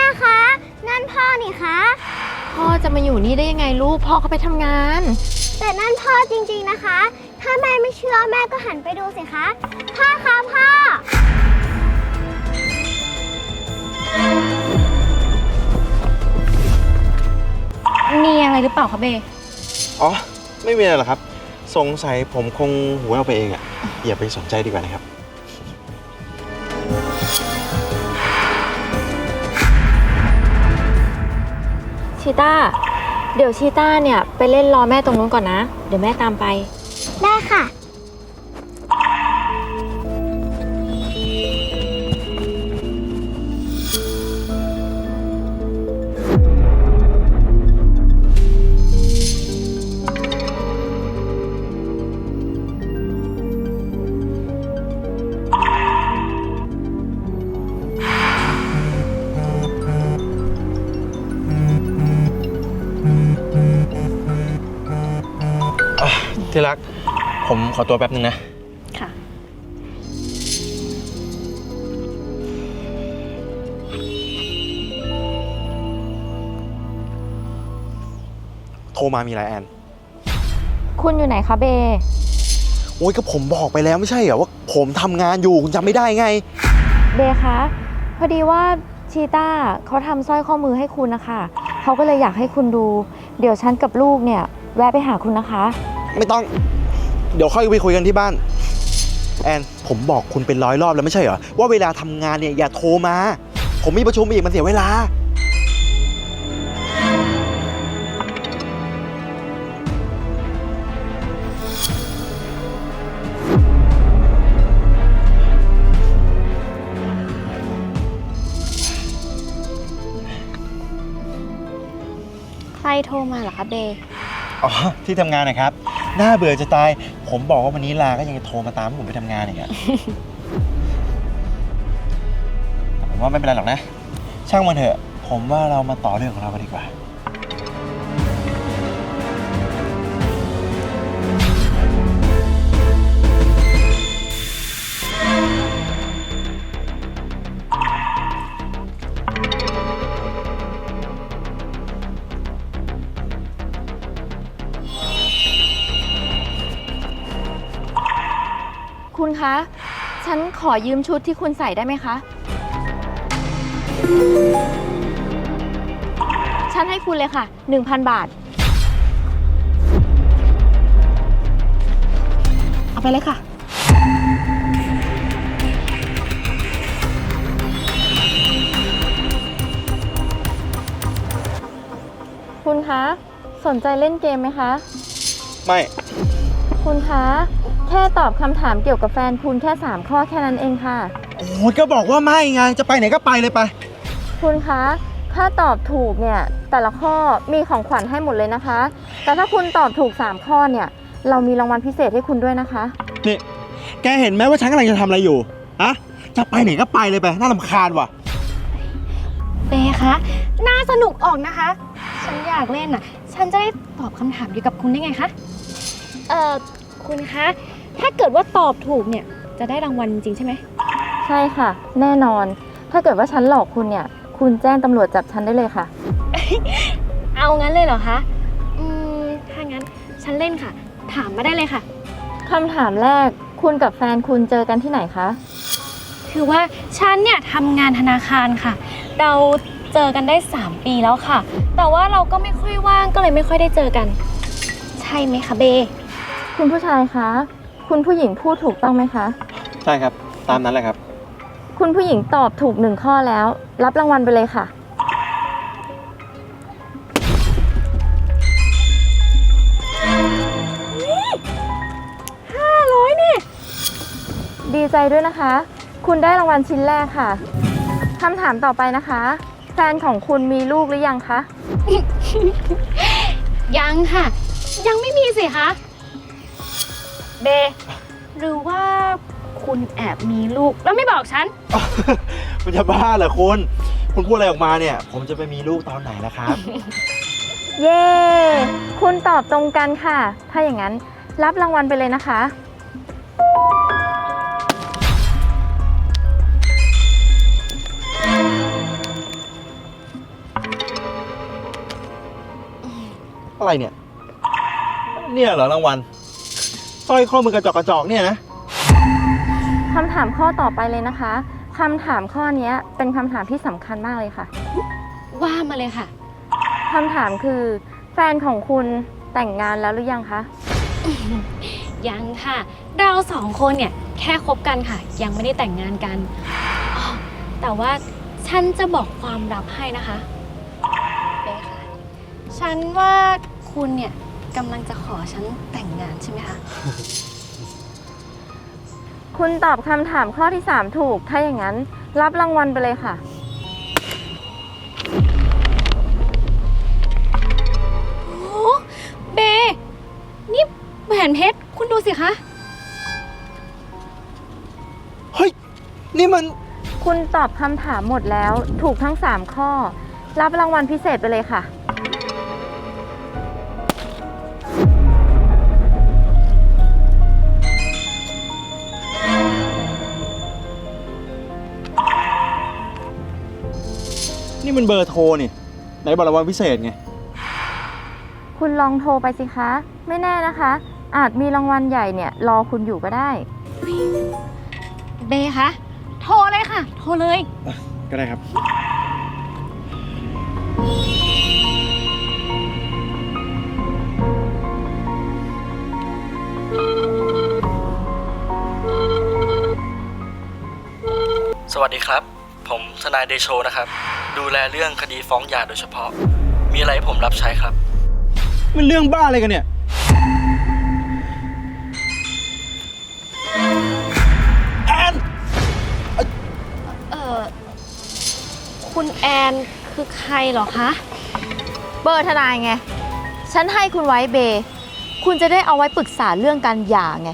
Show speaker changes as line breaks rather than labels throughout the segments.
คะนั่นพ่อนี่คะ
พ่อจะมาอยู่นี่ได้ยังไงลูกพ่อเขาไปทำงาน
แต่นั่นพ่อจริงๆนะคะถ้าแม่ไม่เชื่อแม่ก็หันไปดูสิคะพ่อคะพ่อ
มีอะไรหรือเปล่าคะเบ
อ๋อไม่มีอะไรหรอกครับสงสัยผมคงหูแว่วไปเองอ่ะอย่าไปสนใจดีกว่านะครับ
ชีต้าเดี๋ยวชีต้าเนี่ยไปเล่นรอแม่ตรงนู้นก่อนนะเดี๋ยวแม่ตามไป
ได้ค่ะ
ที่รักผมขอตัวแป๊บนึงนะ
ค่ะ
โทรมามีอะไรแอน
คุณอยู่ไหนคะเบ
โอ้ยก็ผมบอกไปแล้วไม่ใช่เหรอว่าผมทำงานอยู่คุณจำไม่ได้ไง
เบคะพอดีว่าชีต้าเขาทำสร้อยข้อมือให้คุณนะคะเขาก็เลยอยากให้คุณดูเดี๋ยวฉันกับลูกเนี่ยแวะไปหาคุณนะคะ
ไม่ต้องเดี๋ยวค่อยไปคุยกันที่บ้านแอนผมบอกคุณเป็น100 รอบแล้วไม่ใช่เหรอว่าเวลาทำงานเนี่ยอย่าโทรมาผมมีประชุมอีกมันเสียเวลา
ใครโทรมาเหรอคะเบ
อ๋อที่ทำงานนะครับน่าเบื่อจะตายผมบอกว่าวันนี้ลาก็ยังจะโทรมาตามให้ผมไปทำงานอีกอะแต่ผมว่าไม่เป็นไรหรอกนะช่างมันเถอะผมว่าเรามาต่อเรื่องของเรากันดีกว่า
คุณคะฉันขอยืมชุดที่คุณใส่ได้ไหมคะฉันให้คุณเลยค่ะ 1,000 บาทเอาไปเลยค่ะคุณคะสนใจเล่นเกมไหมคะ
ไม่
คุณคะแค่ตอบคำถามเกี่ยวกับแฟนคุณแค่3 ข้อแค่นั้นเองค่ะ
โอ้ยก็บอกว่าไม่ไงจะไปไหนก็ไปเลยไป
คุณคะถ้าตอบถูกเนี่ยแต่ละข้อมีของขวัญให้หมดเลยนะคะแต่ถ้าคุณตอบถูก3 ข้อเนี่ยเรามีรางวัลพิเศษให้คุณด้วยนะคะ
นี่แกเห็นไหมว่าฉันกำลังจะทำอะไรอยู่อะจะไปไหนก็ไปเลยไปน่ารำคาญว่ะ
เบคะน่าสนุกออกนะคะฉันอยากเล่นน่ะฉันจะได้ตอบคำถามเดียวกับคุณได้ไงคะคุณคะถ้าเกิดว่าตอบถูกเนี่ยจะได้รางวัลจริงใช่ไหม
ใช่ค่ะแน่นอนถ้าเกิดว่าฉันหลอกคุณเนี่ยคุณแจ้งตำรวจจับฉันได้เลยค่ะ
เอางั้นเลยเหรอคะถ้างั้นฉันเล่นค่ะถามมาได้เลยค่ะ
คำถามแรกคุณกับแฟนคุณเจอกันที่ไหนคะ
คือว่าฉันเนี่ยทำงานธนาคารค่ะเราเจอกันได้3 ปีแล้วค่ะแต่ว่าเราก็ไม่ค่อยว่างก็เลยไม่ค่อยได้เจอกันใช่ไหมคะเบ
คุณผู้ชายคะคุณผู้หญิงพูดถูกต้องไหมคะ
ใช่ครับตามนั้นแหละครับ
คุณผู้หญิงตอบถูก1 ข้อแล้วรับรางวัลไปเลยค่ะ500นี่ดีใจด้วยนะคะคุณได้รางวัลชิ้นแรกค่ะคำถามต่อไปนะคะแฟนของคุณมีลูกหรือยังคะ
ยังค่ะยังไม่มีสิคะเบหรือว่าคุณแอบมีลูกแล้วไม่บอกฉัน
มันจะบ้าเหรอคุณพูดอะไรออกมาเนี่ยผมจะไปมีลูกตอนไหนล่ะครับ
เย้คุณตอบตรงกันค่ะถ้าอย่างนั้นรับรางวัลไปเลยนะคะ
อะไรเนี่ย เนี่ยเหรอรางวัลสร้อยข้อมือกระจอกเนี่ยนะ
คำถามข้อต่อไปเลยนะคะคำถามข้อนี้เป็นคำถามที่สำคัญมากเลยค่ะ
ว่ามาเลยค่ะ
คำถามคือแฟนของคุณแต่งงานแล้วหรือยังคะ
ยังค่ะ เราสองคนเนี่ยแค่คบกันค่ะ ยังไม่ได้แต่งงานกันอ๋อแต่ว่าฉันจะบอกความลับให้นะคะเบค่ะ ฉันว่าคุณเนี่ยกำลังจะขอฉันแต่งงานใช่ไหมคะ
คุณตอบคำถามข้อที่ 3 ถูก ถ้าอย่างนั้นรับรางวัลไปเลยค่ะ
โอ้เบ นี่แหวนเพชร คุณดูสิคะ
เฮ้ย นี่มัน
คุณตอบคำถามหมดแล้วถูกทั้ง 3 ข้อ รับรางวัลพิเศษไปเลยค่ะ
นี่มันเบอร์โทรนี่ไหนบอกรางวัลพิเศษไง
คุณลองโทรไปสิคะ ไม่แน่นะคะ อาจมีรางวัลใหญ่เนี่ยรอคุณอยู่ก็ได้
เบคะ โทรเลยค่ะ โทรเลย
ก็ได้ครับ
สวัสดีครับ ผมทนายเดโชนะครับ ดูแลเรื่องคดีฟ้องหย่าโดยเฉพาะ มีอะไรให้ผมรับใช้ครับ
มันเรื่องบ้าอะไรกันเนี่ย แอน
คุณแอนคือใครเหรอคะ
เบอร์ทนายไง ฉันให้คุณไว้เบ คุณจะได้เอาไว้ปรึกษาเรื่องการหย่าไง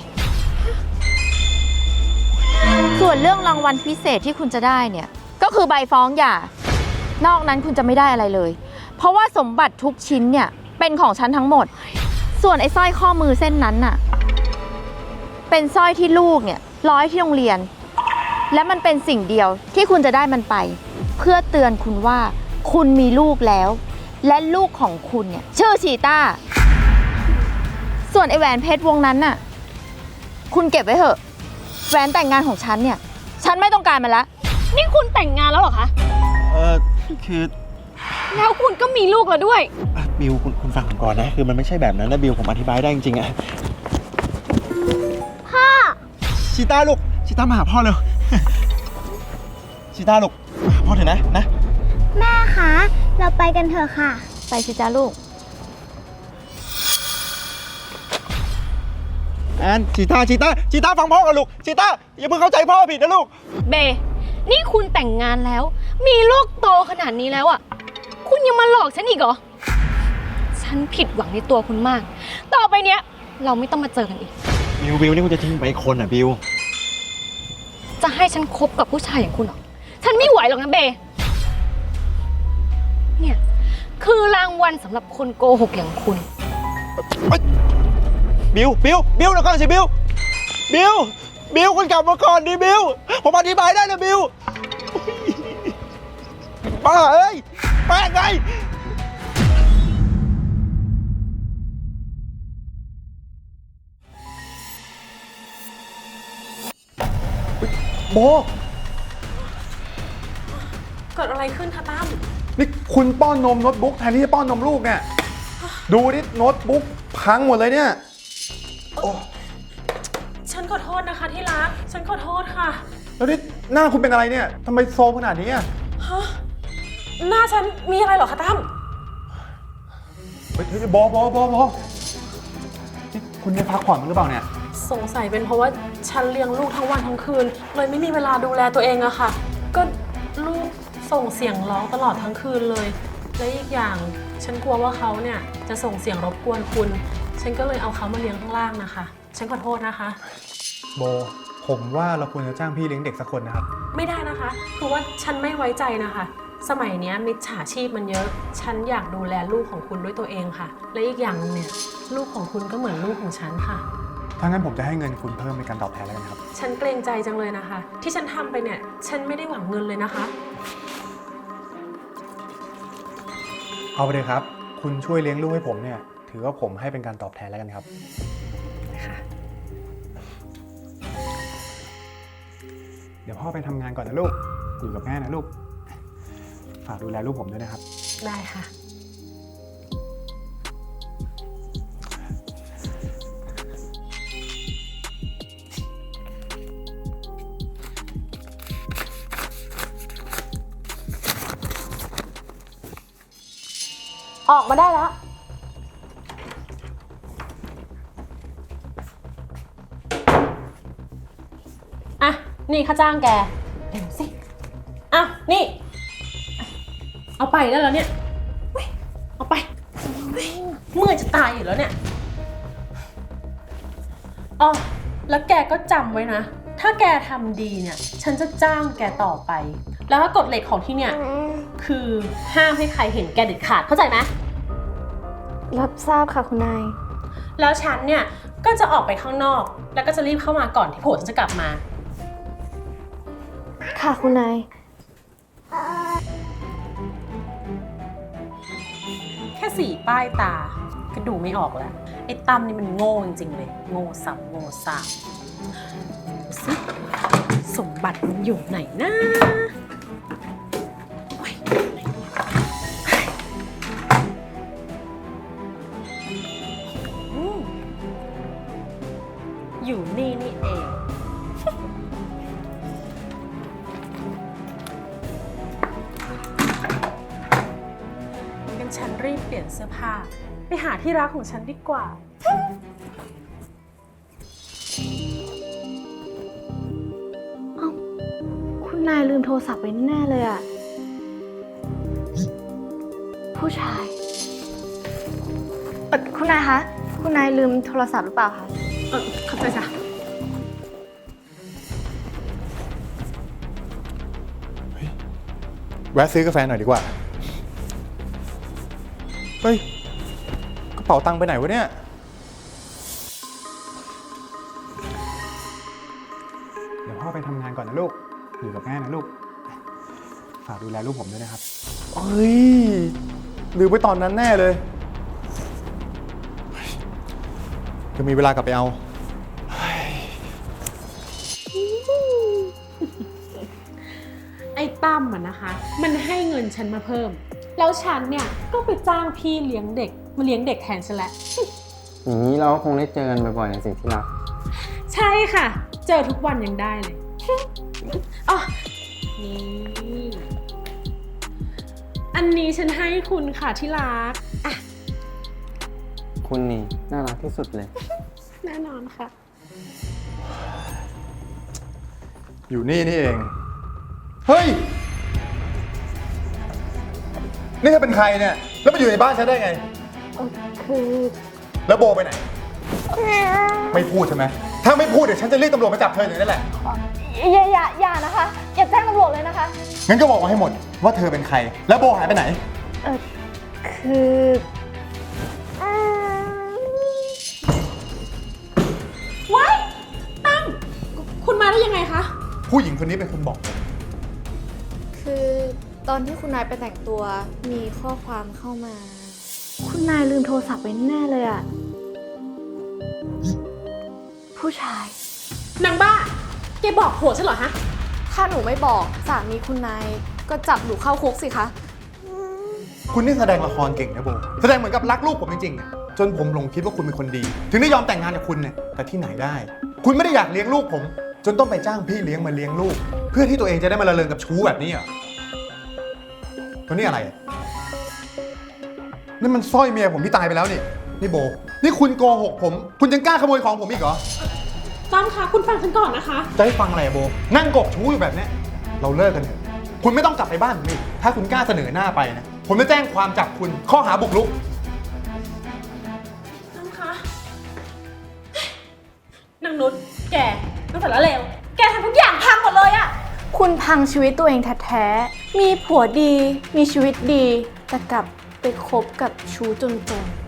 ส่วนเรื่องรางวัลพิเศษที่คุณจะได้เนี่ย ก็คือใบฟ้องหย่า นอกนั้นคุณจะไม่ได้อะไรเลย เพราะว่าสมบัติทุกชิ้นเนี่ยเป็นของฉันทั้งหมด ส่วนไอ้สร้อยข้อมือเส้นนั้นน่ะ เป็นสร้อยที่ลูกเนี่ยร้อยที่โรงเรียน และมันเป็นสิ่งเดียวที่คุณจะได้มันไป เพื่อเตือนคุณว่าคุณมีลูกแล้ว และลูกของคุณเนี่ยชื่อชีต้า ส่วนไอแหวนเพชรวงนั้นน่ะ คุณเก็บไว้เถอะแหวนแต่งงานของฉันเนี่ย ฉันไม่ต้องการมันละ
นี่คุณแต่งงานแล้วเหรอคะ
คือ
แล้วคุณก็มีลูกแล้วด้วย
บิวคุณฟังผมก่อนนะ คือมันไม่ใช่แบบนั้นนะบิวผมอธิบายได้จริงๆอะ
พ่อ
ชีต้าลูก ชีต้ามาหาพ่อเร็ว ชีต้าลูกมาหาพ่อเถอะนะ
แม่คะ เราไปกันเถอะค่ะ
ไปสิจ้าลูก
แอนชีต้าฟังพ่อกันลูก ชีต้าอย่าเพิ่งเข้าใจพ่อผิดนะลูก
เบ นี่คุณแต่งงานแล้ว มีลูกโตขนาดนี้แล้วอ่ะ คุณยังมาหลอกฉันอีกเหรอ ฉันผิดหวังในตัวคุณมาก ต่อไปเนี้ย เราไม่ต้องมาเจอกันอีก
บิวนี่คุณจะทิ้งไปอีกคนอ่ะบิว
จะให้ฉันคบกับผู้ชายอย่างคุณเหรอ ฉันไม่ไหวหรอกนะเบ เนี่ยคือรางวัลสำหรับคนโกหกอย่างคุณ
บิวเดี๋ยวก่อนสิบิวคุณกลับมาก่อนดิบิวผมอธิบายได้นะบิวป้าเอ้ยแป้งไงโบ
เกิดอะไรขึ้นคะตั้ม
นี่คุณป้อนนมโน้ตบุ๊กแทนที่จะป้อนนมลูกเนี่ย ดูดิโน้ตบุ๊กพังหมดเลยเนี่ย
ฉันขอโทษนะคะที่รัก ฉันขอโทษค่ะ
แล้วนี่หน้าคุณเป็นอะไรเนี่ยทำไมโซมขนาดนี้อ่ะ
ฮะ หน้าฉันมีอะไรเหรอคะตั้ม
เฮ้ยบอนี่คุณได้พักผ่อนมั้างหรือเปล่าเนี่ย
สงสัยเป็นเพราะว่าฉันเลี้ยงลูกทั้งวันทั้งคืน เลยไม่มีเวลาดูแลตัวเองอะค่ะ ก็ลูกส่งเสียงร้องตลอดทั้งคืนเลย และอีกอย่างฉันกลัวว่าเขาเนี่ยจะส่งเสียงรบกวนคุณ ฉันก็เลยเอาเขามาเลี้ยงข้างล่างนะคะ ฉันขอโทษนะคะ
โบ ผมว่าเราควรจะจ้างพี่เลี้ยงเด็กสักคนนะครับ
ไม่ได้นะคะ คือว่าฉันไม่ไว้ใจนะคะ สมัยเนี้ยมิจฉาชีพมันเยอะ ฉันอยากดูแลลูกของคุณด้วยตัวเองค่ะ และอีกอย่างนึงเนี่ยลูกของคุณก็เหมือนลูกของฉันค่ะ
ถ้างั้นผมจะให้เงินคุณเพิ่มในการตอบแทนแล้วกันครับ
ฉันเกรงใจจังเลยนะคะ ที่ฉันทำไปเนี่ย ฉันไม่ได้หวังเงินเลยนะคะ
เอาไปเลยครับ คุณช่วยเลี้ยงลูกให้ผมเนี่ยถือว่าผมให้เป็นการตอบแทนแล้วกันครับ เดี๋ยวพ่อไปทำงานก่อนนะลูก อยู่กับแม่นะลูก ฝากดูแลลูกผมด้วยนะครับ
ได้ค่ะ ออกมาได้แล้ว อ่ะ นี่ค่าจ้างแกเร็วสิ อ่ะ นี่ เอาไปได้แล้วเนี่ยเว้ยเอาไปเว้ยเมื่อยจะตายอยู่แล้วเนี่ยอ๋อแล้วแกก็จำไว้นะ ถ้าแกทำดีเนี่ย ฉันจะจ้างแกต่อไป แล้วก็กฎเหล็กของที่เนี่ย คือห้ามให้ใครเห็นแกเด็ดขาด เข้าใจไหม
รับทราบค่ะคุณนาย
แล้วฉันเนี่ย ก็จะออกไปข้างนอก แล้วก็จะรีบเข้ามาก่อนที่ผัวฉันจะกลับมา
ค่ะคุณนาย
แค่สีป้ายตา ก็ดูไม่ออกแล้ว ไอ้ตั้มนี่มันโง่จริงๆเลย โง่สับโง่สามดูสิสมบัติมันอยู่ไหนนะโอ๊ยอยู่นี่นี่เองงั้นฉันรีบเปลี่ยนเสื้อผ้า ไปหาที่รักของฉันดีกว่า
คุณนายลืมโทรศัพท์ไว้แน่เลยอะผู้ชายคุณนายคะ คุณนายลืมโทรศัพท์หรือเปล่าคะ
ขอบใจจ้ะ
แวะซื้อกาแฟหน่อยดีกว่า เฮ้ย กระเป๋าตังค์ไปไหนวะเนี่ย เดี๋ยวพ่อไปทำงานก่อนนะลูก อยู่กับแม่นะลูก ฝากดูแลลูกผมด้วยนะครับ เฮ้ย ลืมไปตอนนั้นแน่เลยจะมีเวลากลับไปเอา
ไอ้ตั้มอะนะคะ มันให้เงินฉันมาเพิ่ม แล้วฉันเนี่ยก็ไปจ้างพี่เลี้ยงเด็กมาเลี้ยงเด็กแทนฉันแหละ
อย่างนี้เราก็คงได้เจอกันบ่อยๆในสิ่งที่รัก
ใช่ค่ะ เจอทุกวันยังได้เลย อ๋อ นี่ อันนี้ฉันให้คุณค่ะที่รักอ่ะ
คุณนี่น่ารักที่สุดเลย
แน่นอนค่ะ
อยู่นี่นี่เอง เฮ้ย นี่เธอเป็นใครเนี่ย แล้วมาอยู่ในบ้านฉันได้ไง
คือ
แล้วโบไปไหน ไม่พูดใช่ไหม ถ้าไม่พูดเดี๋ยวฉันจะเรียกตำรวจมาจับเธออย่างนี้แหละ
อย่านะคะ อย่าแจ้งตำรวจเลยนะคะ
งั้นก็บอกมาให้หมดว่าเธอเป็นใคร แล้วโบหายไปไหน
คือ
ว้ายตั้มคุณมาได้ยังไงคะ
ผู้หญิงคนนี้เป็นคนบอกผม
คือตอนที่คุณนายไปแต่งตัวมีข้อความเข้ามา คุณนายลืมโทรศัพท์ไว้แน่เลยอะผู้ชาย
นางบ้า แกบอกผัวฉันเหรอฮะ
ถ้าหนูไม่บอกสามีคุณนายก็จับหนูเข้าคุกสิคะ
คุณนี่แสดงละครเก่งนะโบ แสดงเหมือนกับรักลูกผมจริงๆอะจนผมหลงคิดว่าคุณเป็นคนดี ถึงได้ยอมแต่งงานกับคุณเนี่ย แต่ที่ไหนได้ คุณไม่ได้อยากเลี้ยงลูกผม จนต้องไปจ้างพี่เลี้ยงมาเลี้ยงลูก เพื่อที่ตัวเองจะได้มาละเลงกับชู้แบบนี้เหรอตัวนี้อะไรอะนี่มันสร้อยเมียผมที่ตายไปแล้วนี่ นี่โบ นี่คุณโกหกผม คุณยังกล้าขโมยของผมอีกเหรอ
ตั้มคะคุณฟังฉันก่อนนะคะ
จะให้ฟังอะไรอะโบ นั่งกกชู้อยู่แบบเนี้ยเราเลิกกันเถอะ คุณไม่ต้องกลับไปบ้านผมอีกถ้าคุณกล้าเสนอหน้าไปนะ ผมจะแจ้งความจับคุณข้อหาบุกรุก
ตั้มคะนางนุชแกตั้งแต่ละเลวแกทำทุกอย่างพังหมดเลยอะ
คุณพังชีวิตตัวเองแท้ๆ มีผัวดี มีชีวิตดี แต่กลับไปคบกับชู้จนๆ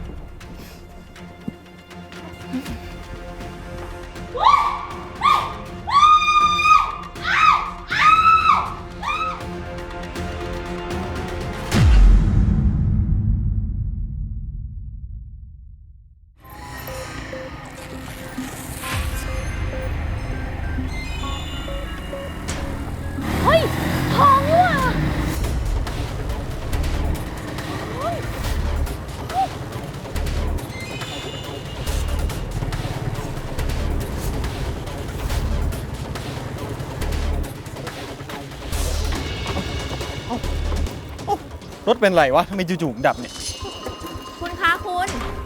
รถเป็นไรวะทำไมจู่ๆดับเนี่ย
คุณคะคุณ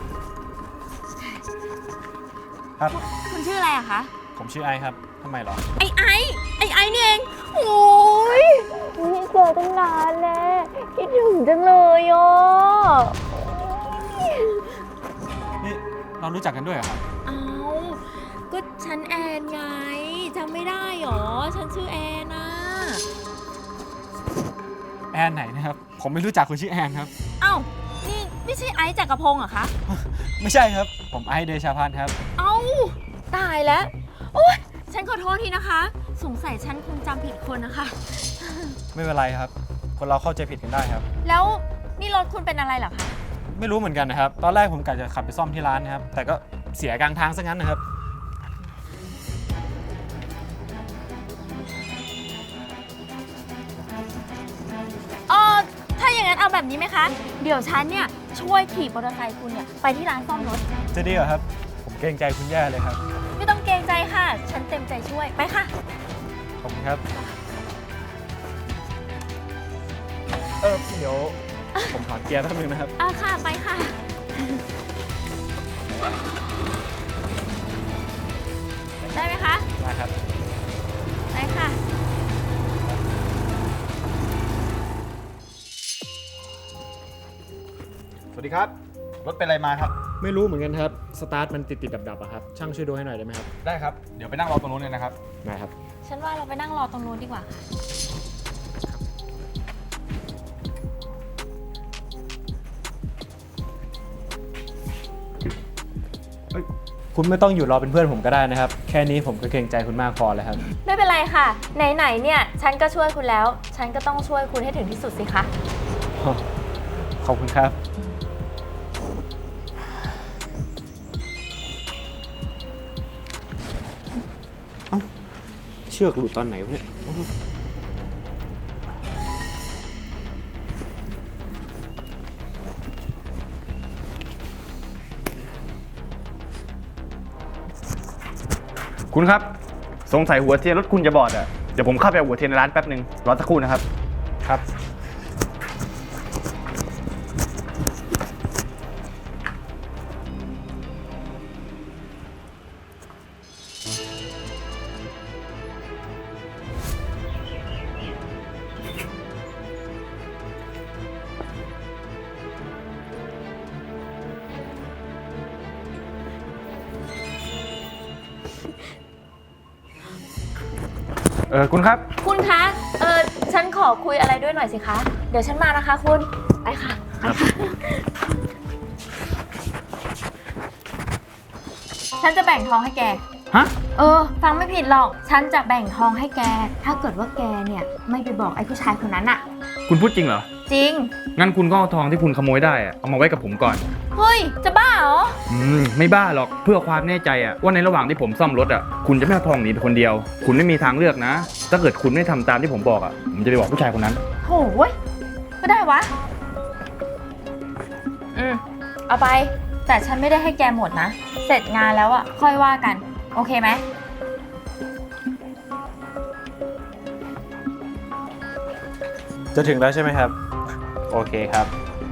ครับ
คุณชื่ออะไรอะคะ
ผมชื่อไอครับทำไมหรอ
ไอ้นี่เอง โอ้ยไม่เจอตั้งนานแล้วคิดถึงจังเลยอ่ะ
นี่เรารู้จักกันด้วยเหรอครับ
เอาก็ฉันแอนไงจำไม่ได้หรอ ฉันชื่อแอนนะ
แอนไหนนะครับ ผมไม่รู้จักคนชื่อแอนครับ
เอ้านี่ไม่ใช่ไอซ์จักรพงศ์เหรอคะ
ไม่ใช่ครับ ผมไอซ์เดชาพันธ์ครับ
เอ้าตายแล้วโอ๊ยฉันขอโทษทีนะคะ สงสัยฉันคงจำผิดคนนะคะ
ไม่เป็นไรครับ คนเราเข้าใจผิดกันได้ครับ
แล้วนี่รถคุณเป็นอะไรเหรอคะ
ไม่รู้เหมือนกันนะครับ ตอนแรกผมกะจะขับไปซ่อมที่ร้านนะครับ แต่ก็เสียกลางทางซะงั้นนะครับ
ถ้าอย่างนั้นเอาแบบนี้ไหมคะ เดี๋ยวฉันเนี่ยช่วยขี่มอเตอร์ไซค์คุณเนี่ยไปที่ร้านซ่อมรถ
จะดีเหรอครับ ผมเกรงใจคุณแย่เลยครับ
ไม่ต้องเกรงใจค่ะ ฉันเต็มใจช่วย ไปค่ะ
ขอบคุณครับ เดี๋ยวผมถอนเกียร์แป๊บนึงนะครับ
ค่ะ ไปค่ะ ได้ไหมคะ
ได้ครับ
ไปค่ะ
สวัสดีครับ รถเป็นอะไรมาครับ ไม่รู้เหมือนกันครับ สตาร์ทมันติดดับๆอะครับ ช่างช่วยดูให้หน่อยได้ไหมครับ ได้ครับ เดี๋ยวไปนั่งรอตรงนู้นเลยนะครับ ได้ครับ
ฉันว่าเราไปนั่งรอตรงนู้นดีกว่าค่ะ
คุณไม่ต้องอยู่รอเป็นเพื่อนผมก็ได้นะครับ แค่นี้ผมก็เกรงใจคุณมากพอแล้วครับ
ไม่เป็นไรค่ะ ไหนๆเนี่ย ฉันก็ช่วยคุณแล้ว ฉันก็ต้องช่วยคุณให้ถึงที่สุดสิคะ
ขอบคุณครับ เชือกหลุดตอนไหนวะเนี่ย
คุณครับ สงสัยหัวเทียนรถคุณจะบอดอ่ะ เดี๋ยวผมเข้าไปเอาหัวเทียนในร้านแป๊บนึง รอสักครู่นะครับ
ครับ
คุณครับ
คุณคะ ฉันขอคุยอะไรด้วยหน่อยสิคะ เดี๋ยวฉันมานะคะคุณ ไปค่ะ ไปค่ะ ฉันจะแบ่งทองให้แก
ฮะ
ฟังไม่ผิดหรอก ฉันจะแบ่งทองให้แก ถ้าเกิดว่าแกเนี่ยไม่ไปบอกไอ้ผู้ชายคนนั้นอะ
คุณพูดจริงเหรอ
จริง
งั้นคุณก็เอาทองที่คุณขโมยได้อะเอามาไว้กับผมก่อน
เฮ้ย จะบ้าเหรอ
ไม่บ้าหรอก เพื่อความแน่ใจอะว่าในระหว่างที่ผมซ่อมรถอะคุณจะไม่เอาทองหนีไปคนเดียว คุณไม่มีทางเลือกนะ ถ้าเกิดคุณไม่ทำตามที่ผมบอกอะผมจะไปบอกผู้ชายคนนั้น
โหเว้ยก็ได้วะ เอาไป แต่ฉันไม่ได้ให้แกหมดนะ เสร็จงานแล้วอะค่อยว่ากัน โอเคไหม
จะถึงแล้วใช่ไหมครับ โอเคครับ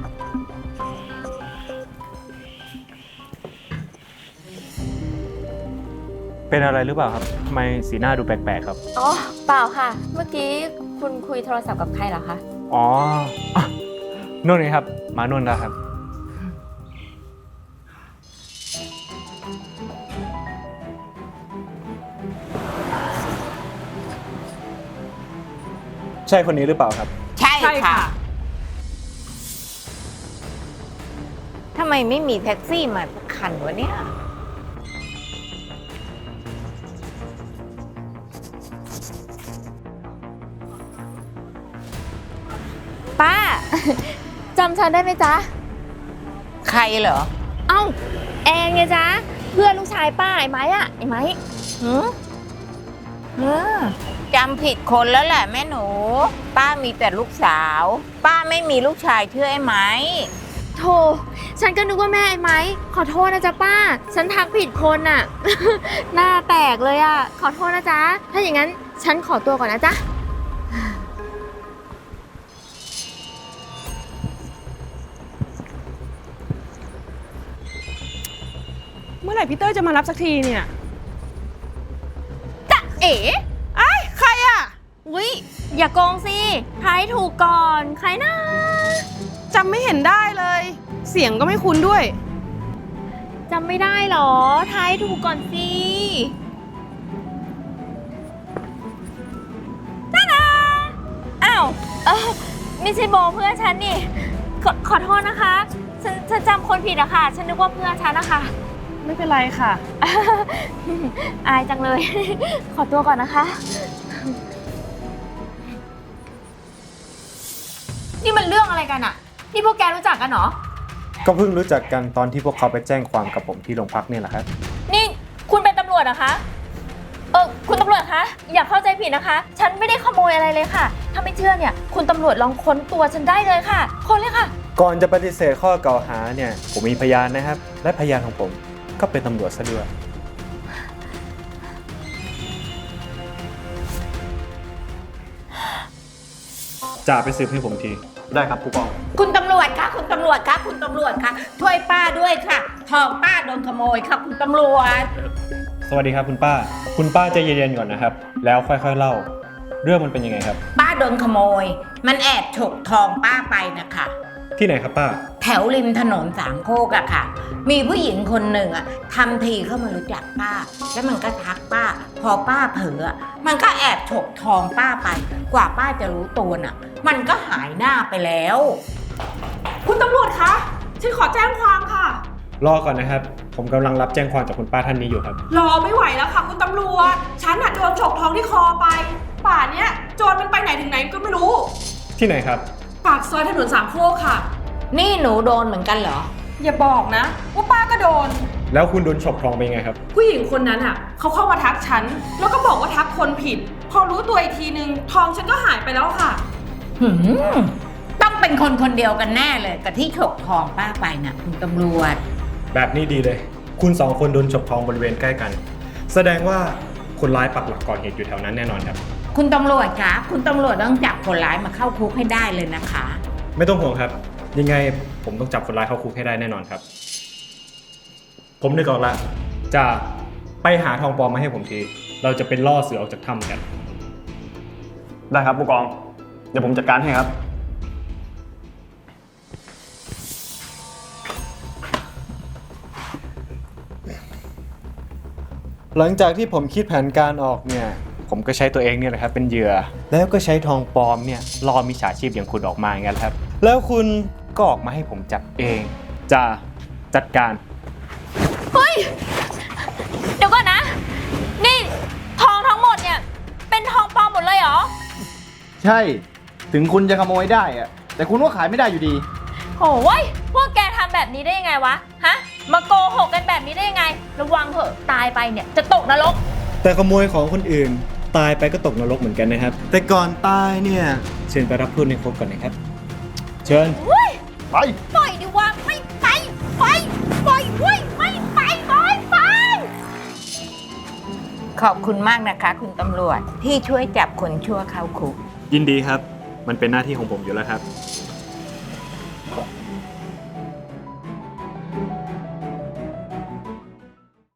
เป็นอะไรหรือเปล่าครับทำไมสีหน้าดูแปลกๆครับ
อ๋อ เปล่าค่ะ เมื่อกี้คุณคุยโทรศัพท์กับใครเหรอคะ
อ๋ออ่ะนุ่นไงครับ มานุ่นแล้วครับ ใช่คนนี้หรือเปล่าครับ
ใช่ค่ะ ทำไมไม่มีแท็กซี่มาสักคันวะเนี่ย
ป้า จำฉันได้ไหมจ๊ะ
ใครเหรอ
เอ้า แอนไงจ๊ะ เพื่อนลูกชายป้าไอ้ไม้อะไอ้ไม้
หือจำผิดคนแล้วแหละแม่หนู ป้ามีแต่ลูกสาว ป้าไม่มีลูกชายชื่อไอ้ไหม
โธ่ฉันก็นึกว่าแม่ไอ้ไม้ ขอโทษนะจ๊ะป้า ฉันทักผิดคนอะ หน้าแตกเลยอะขอโทษนะจ๊ะ ถ้าอย่างนั้นฉันขอตัวก่อนนะจ๊ะ
ไหร่พี่เต้ยจะมารับสักทีเนี่ย
จะเอ๋
ไอ้ใครอะ
อุ๊ยอย่าโกงสิทายถูกก่อน ใครนะ
จำไม่เห็นได้เลย เสียงก็ไม่คุ้นด้วย
จำไม่ได้หรอทายถูกก่อนสิจ้าดาอ้าวไม่ใช่โบเพื่อนฉันนี่ขอโทษนะคะ ฉันจำคนผิดอะค่ะ ฉันนึกว่าเพื่อนฉันนะคะ
ไม่เป็นไรค่ะ
อายจังเลย ขอตัวก่อนนะคะ นี่มันเรื่องอะไรกันอะนี่พวกแกรู้จักกันเหรอ
ก็เพิ่งรู้จักกันตอนที่พวกเขาไปแจ้งความกับผมที่โรงพักเนี่ยแหละครับ
นี่คุณเป็นตำรวจเหรอคะ คุณตำรวจคะ อย่าเข้าใจผิดนะคะ ฉันไม่ได้ขโมยอะไรเลยค่ะ ถ้าไม่เชื่อเนี่ย คุณตำรวจลองค้นตัวฉันได้เลยค่ะ ค้นเลยค่ะ
ก่อนจะปฏิเสธข้อกล่าวหาเนี่ยผมมีพยานนะครับ และพยานของผมก็เป็นตำรวจซะด้วยจ่าไปสืบให้ผมที
ได้ครับผู้กอง
คุณตำรวจคะคุณตำรวจคะคุณตำรวจคะช่วยป้าด้วยค่ะทองป้าโดนขโมยค่ะคุณตำรวจ
สวัสดีครับคุณป้า คุณป้าใจเย็นๆก่อนนะครับ แล้วค่อยๆเล่า เรื่องมันเป็นยังไงครับ
ป้าโดนขโมย มันแอบฉกทองป้าไปนะคะ
ที่ไหนครับป้า
แถวริมถนนสามโคกอะค่ะ มีผู้หญิงคนหนึ่งอะทำทีเข้ามารู้จักป้า แล้วมันก็ทักป้า พอป้าเผลออะมันก็แอบฉกทองป้าไป กว่าป้าจะรู้ตัวน่ะ มันก็หายหน้าไปแล้ว
คุณตำรวจคะ ฉันขอแจ้งความค่ะ
รอก่อนนะครับ ผมกำลังรับแจ้งความจากคุณป้าท่านนี้อยู่ครับ
รอไม่ไหวแล้วค่ะคุณตำรวจ ฉันอะโดนฉกทองที่คอไป ป่านเนี้ยโจรมันไปไหนถึงไหนก็ไม่รู้
ที่ไหนครับ
ปากซอยถนนสามโคกค่ะ
นี่หนูโดนเหมือนกันเหรอ
อย่าบอกนะว่าป้าก็โดน
แล้วคุณโดนฉกทองไปยังไงครับ
ผู้หญิงคนนั้นอ่ะเขาเข้ามาทักฉัน แล้วก็บอกว่าทักคนผิด พอรู้ตัวอีกทีนึง ทองฉันก็หายไปแล้วค่ะ
ต้องเป็นคนคนเดียวกันแน่เลยกับที่ฉกทองป้าไปนะคุณตำรวจ
แบบนี้ดีเลย คุณสองคนโดนฉกทองบริเวณใกล้กัน แสดงว่าคนร้ายปักหลักก่อเหตุอยู่แถวนั้นแน่นอนครับ
คุณตำรวจคะคุณตำรวจต้องจับคนร้ายมาเข้าคุกให้ได้เลยนะคะ
ไม่ต้องห่วงครับ ยังไงผมต้องจับคนร้ายเข้าคุกให้ได้แน่นอนครับ ผมนึกออกละจะไปหาทองปลอมมาให้ผมที เราจะเป็นล่อเสือออกจากถ้ำกัน
ได้ครับผู้กอง เดี๋ยวผมจัดการให้ครับ
หลังจากที่ผมคิดแผนการออกเนี่ย ผมก็ใช้ตัวเองเนี่ยแหละครับเป็นเหยื่อ แล้วก็ใช้ทองปลอมเนี่ยล่อมิจฉาชีพอย่างคุณออกมาอย่างนั้นครับ แล้วคุณก็ออกมาให้ผมจับเอง จะจัดการ
เฮ้ย เดี๋ยวก่อนนะ นี่ทองทั้งหมดเนี่ย เป็นทองปลอมหมดเลยเหรอ
ใช่ ถึงคุณจะขโมยได้อะแต่คุณก็ขายไม่ได้อยู่ดี
โหยพวกแกทำแบบนี้ได้ยังไงวะ ฮะ มาโกหกกันแบบนี้ได้ยังไง ระวังเถอะตายไปเนี่ยจะตกนรก
แต่ขโมยของคนอื่นตายไปก็ตกนรกเหมือนกันนะครับ แต่ก่อนตายเนี่ยเชิญไปรับโทษในคุกก่อนนะครับ เชิญ
ไป
ปล่อยดิวะไม่ไปปล่อยเว้ยไม่ไปปล่อยไป
ขอบคุณมากนะคะคุณตำรวจที่ช่วยจับคนชั่วเข้าคุก
ยินดีครับ มันเป็นหน้าที่ของผมอยู่แล้วครับ